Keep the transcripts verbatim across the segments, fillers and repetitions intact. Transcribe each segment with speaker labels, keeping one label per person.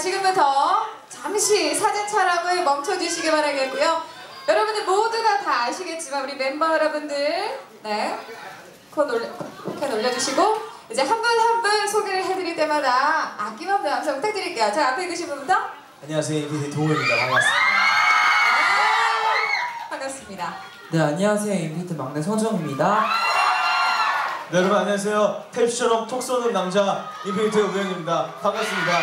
Speaker 1: 지금부터 잠시 사진 촬영을 멈춰주시기 바라겠고요. 여러분들 모두가 다 아시겠지만 우리 멤버 여러분들 네, 콘 올려, 캔 올려주시고 이제 한 분 한 분 소개를 해드릴 때마다 아낌없는 감사 부탁드릴게요. 자, 앞에 계신 분부터.
Speaker 2: 안녕하세요, 인피니티 동호입니다. 반갑습니다.
Speaker 1: 아, 반갑습니다.
Speaker 3: 네, 안녕하세요, 인피니티 막내 성정입니다.
Speaker 2: 네, 여러분 안녕하세요. 탭시처럼 톡 쏘는 남자 인피니티 우영입니다. 반갑습니다.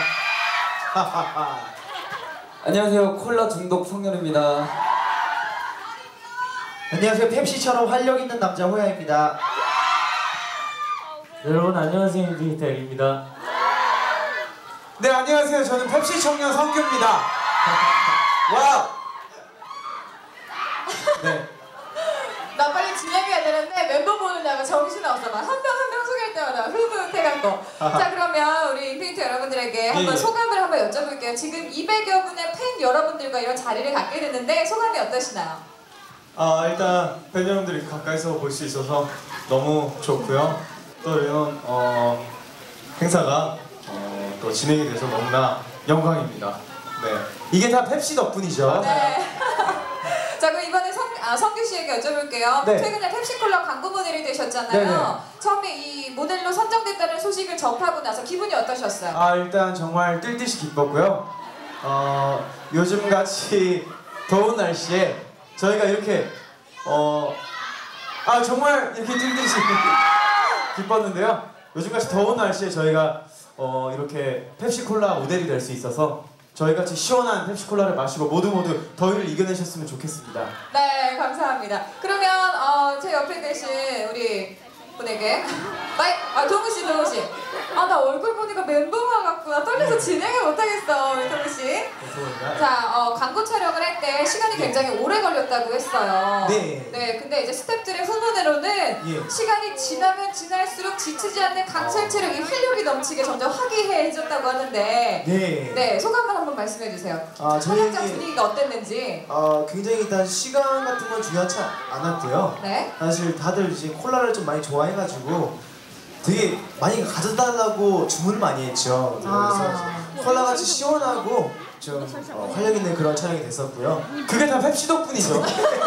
Speaker 3: 안녕하세요, 콜라 중독 성렬입니다.
Speaker 2: 안녕하세요, 펩시처럼 활력 있는 남자 호야입니다.
Speaker 4: 여러분 안녕하세요, 인피니티 L입니다.
Speaker 2: 네, 안녕하세요. 저는 펩시 청년 성규입니다. 와우. 네.
Speaker 1: 나 빨리 진행해야 되는데 멤버 보느냐고 정신 없어. 막 한 명 한 명 소개할 때마다 흐뭇해갖고. 자, 그러면 우리 인피니티 여러분들에게 한번
Speaker 2: 예.
Speaker 1: 소감을 한번 여쭤볼게요. 지금 이백여 분의 팬 여러분들과 이런 자리를 갖게 됐는데 소감이 어떠시나요?
Speaker 2: 아, 일단 팬 여러분들이 가까이서 볼 수 있어서 너무 좋고요. 또 이런 어, 행사가 어, 또 진행이 돼서 너무나 영광입니다. 네, 이게 다 펩시 덕분이죠.
Speaker 1: 네. 자, 그럼 이번에 성, 아, 성규 씨에게 여쭤볼게요.
Speaker 2: 네.
Speaker 1: 최근에 펩시콜라 광고 모델이 되셨잖아요.
Speaker 2: 네네.
Speaker 1: 처음에 이 모델로 선정됐다는 소식을 접하고 나서 기분이 어떠셨어요?
Speaker 2: 아, 일단 정말 뛸 듯이 기뻤고요. 어, 요즘같이 더운 날씨에 저희가 이렇게 어, 아 정말 이렇게 뛸 듯이 기뻤는데요. 요즘같이 더운 날씨에 저희가 어, 이렇게 펩시콜라 모델이 될 수 있어서 저희같이 시원한 펩시콜라를 마시고 모두 모두 더위를 이겨내셨으면 좋겠습니다.
Speaker 1: 네, 감사합니다. 그러면 어, 제 옆에 계신 우리 분에게 마이, 아, 동우 씨, 동우 씨. 아, 나 얼굴 보니까 멘붕 와갖고 떨려서 진행을 못하겠어, 우리 동우 씨. 자, 어, 광고 촬영을 할 때 시간이 굉장히 오래 걸렸다고 했어요.
Speaker 2: 네.
Speaker 1: 네, 근데 이제 스태프들의 후문으로는
Speaker 2: 예.
Speaker 1: 시간이 지나면 지날수록 지치지 않는 강철 체력이 활력이 넘치게 점점 화기애애해졌다고 하는데.
Speaker 2: 네.
Speaker 1: 네, 소감만 한번 말씀해 주세요.
Speaker 5: 아,
Speaker 1: 촬영장
Speaker 5: 저희-
Speaker 1: 분위기가 어땠는지.
Speaker 5: 어, 굉장히 일단 시간 같은 건 중요하지 않았고요.
Speaker 1: 네.
Speaker 5: 사실 다들 이제 콜라를 좀 많이 좋아해가지고 되게 많이 가져달라고 주문을 많이 했죠.
Speaker 1: 아.
Speaker 5: 그래서 콜라같이 시원하고 좀 어, 활력 있는 그런 촬영이 됐었고요.
Speaker 2: 그게 다 펩시 덕분이죠.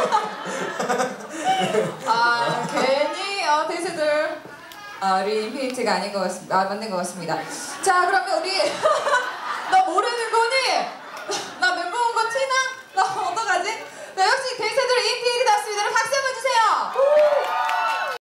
Speaker 1: 아, 괜히 어, 대세들 아, 우리 인피니티가 아닌 것 같습니다. 아, 맞는 것 같습니다. 자, 그러면 우리 너 모르는 거니?